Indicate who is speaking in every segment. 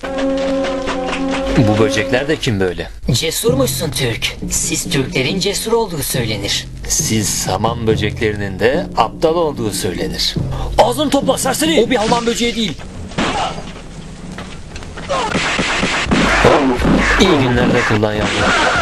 Speaker 1: Bu böcekler de kim böyle?
Speaker 2: Cesurmuşsun Türk. Siz Türklerin cesur olduğu söylenir.
Speaker 1: Siz saman böceklerinin de aptal olduğu söylenir.
Speaker 3: Ağzını topla serseri. O bir Alman böceği değil.
Speaker 1: İyi günlerde kullan yavrum.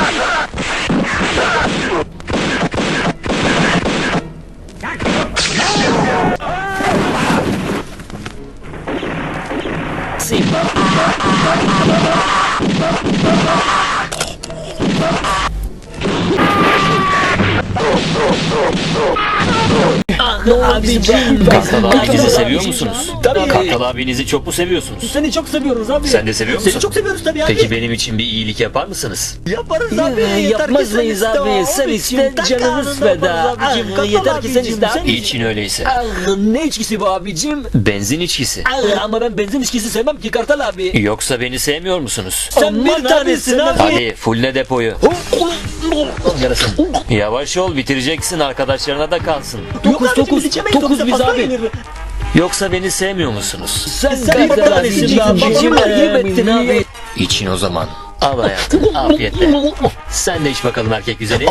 Speaker 3: Abicim.
Speaker 1: Kartal abinizi seviyor musunuz?
Speaker 3: Tabii.
Speaker 1: Kartal abinizi çok mu seviyorsunuz?
Speaker 3: Seni çok seviyoruz abi.
Speaker 1: Sen de seviyor musun?
Speaker 3: Seni çok seviyoruz tabii abi.
Speaker 1: Peki benim için bir iyilik yapar mısınız?
Speaker 3: Yaparız abi.
Speaker 4: Yapmaz mıyız abi? Sen iste, canımız feda. Yeter ki sen iste abi.
Speaker 1: İçin öyleyse.
Speaker 3: Ne içkisi bu abicim?
Speaker 1: Benzin içkisi.
Speaker 3: Ama ben benzin içkisi sevmem ki Kartal abi.
Speaker 1: Yoksa beni sevmiyor musunuz?
Speaker 3: Sen
Speaker 4: Aman
Speaker 3: bir tanesin abi.
Speaker 1: Hadi fulle depoyu. Yarasın. Yavaş ol, bitireceksin, arkadaşlarına da kalsın.
Speaker 3: Dokuz biz abi.
Speaker 1: Yoksa beni sevmiyor musunuz?
Speaker 3: Sen bir tanesin abi.
Speaker 4: Ayıp ettin abi.
Speaker 1: İçin o zaman. Al hayatım, afiyetle. Sen de iç bakalım erkek güzeli.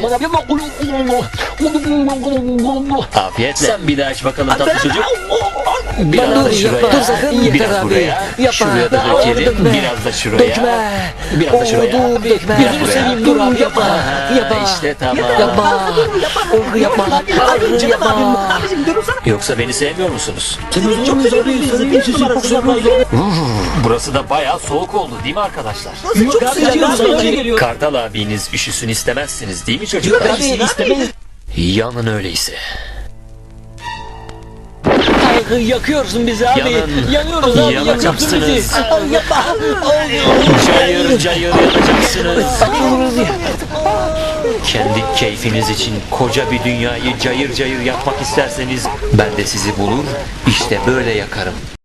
Speaker 1: Afiyetle. Sen bir daha iç bakalım tatlı çocuk. Biraz da şuraya.
Speaker 4: Dur sakın, yeter
Speaker 1: Biraz
Speaker 4: abi.
Speaker 1: buraya.
Speaker 4: Yapma.
Speaker 1: Şuraya da dökelim.
Speaker 4: Dökme.
Speaker 1: Biraz da şuraya.
Speaker 4: Dökme.
Speaker 1: Biraz da şuraya.
Speaker 4: Dur dökme.
Speaker 1: Biraz
Speaker 4: Gözünü
Speaker 1: buraya.
Speaker 4: seveyim dur abi yapma.
Speaker 1: Ha,
Speaker 4: Yapma.
Speaker 1: İşte tamam.
Speaker 4: Yapma. Yapma. Yapma.
Speaker 1: Yoksa beni sevmiyor musunuz?
Speaker 3: Çok seviyoruz.
Speaker 1: Burası da bayağı soğuk oldu değil mi arkadaşlar?
Speaker 3: Çok seviyoruz.
Speaker 1: Kartal abiniz üşüsün istemezsiniz değil mi
Speaker 3: Yok
Speaker 1: çocuklar?
Speaker 3: abi istemeyiz.
Speaker 1: Yanın öyleyse.
Speaker 4: Yakıyorsun bizi abi.
Speaker 1: Yanın.
Speaker 4: Yanıyoruz abi.
Speaker 1: Yanacaksınız.
Speaker 3: Yapma.
Speaker 1: Cayır cayır yanacaksınız. Kendi keyfiniz için koca bir dünyayı cayır cayır yakmak isterseniz ben de sizi bulur, işte böyle yakarım.